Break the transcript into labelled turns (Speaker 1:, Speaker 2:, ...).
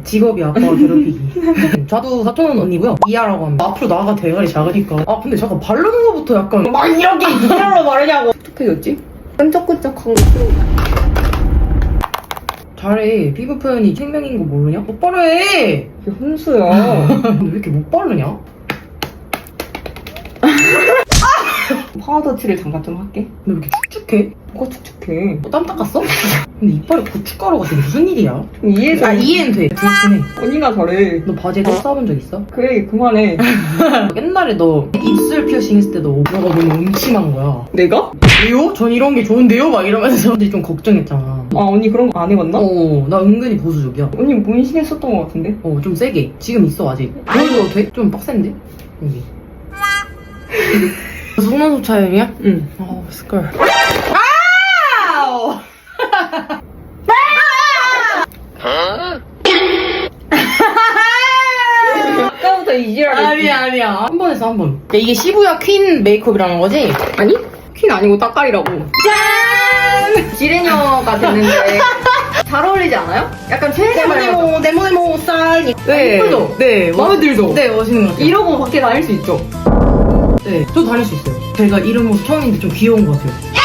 Speaker 1: 직업이 아빠가 괴롭히기. 저도 사촌 언니고요. 이하라고 합니다. 앞으로 나가 대가리 작으니까. 아 근데 잠깐 바르는 거부터 약간 막 이렇게 이걸로 바르냐고.
Speaker 2: 어떻게 됐지? 끈적끈적한 거.
Speaker 1: 잘해. 피부 표현이 생명인 거 모르냐? 못 바르해.
Speaker 2: 이게 혼수야.
Speaker 1: 근데 왜 이렇게 못 바르냐?
Speaker 2: 파우더 칠을 잠깐 좀 할게.
Speaker 1: 근데 왜 이렇게 축축해?
Speaker 2: 뭐가 축축해.
Speaker 1: 땀 닦았어? 근데 이빨에 고춧가루 같은 게 무슨 일이야?
Speaker 2: 좀 이해해줘.
Speaker 1: 아 이해는 돼. 그렇긴 해.
Speaker 2: 언니가 잘해.
Speaker 1: 너 바지에 똥 싸본 적 있어?
Speaker 2: 그래, 그만해.
Speaker 1: 옛날에 너 입술 피어싱 했을 때 너 너가 너무 음침한 거야.
Speaker 2: 내가?
Speaker 1: 왜요? 전 이런 게 좋은데요? 막 이러면서 사람들이 좀 걱정했잖아.
Speaker 2: 아, 언니 그런 거 안 해봤나?
Speaker 1: 나 은근히 보수적이야.
Speaker 2: 언니 문신했었던 것 같은데?
Speaker 1: 좀 세게. 지금 있어, 아직. 보여줘도 돼? 좀 빡센데? 여기. 속눈썹 차이야?
Speaker 2: 응.
Speaker 1: 스컬. 아우!
Speaker 2: 아까부터 이지랄했지.
Speaker 1: 아니야. 한 번 했어, 한 번. 야, 이게 시부야 퀸 메이크업이라는 거지?
Speaker 2: 아니? 퀸 아니고 따까리라고. 짠! 지레녀가 됐는데 잘 어울리지 않아요? 약간 최애가
Speaker 1: 네모네모 쌀.
Speaker 2: 네.
Speaker 1: 예쁘죠? 네.
Speaker 2: 마음에 들죠?
Speaker 1: 네, 멋있는 것 같아요.
Speaker 2: 이러고 밖에 다닐 수 있죠?
Speaker 1: 네, 저 다닐 수 있어요. 제가 이런 모습 처음인데 좀 귀여운 것 같아요.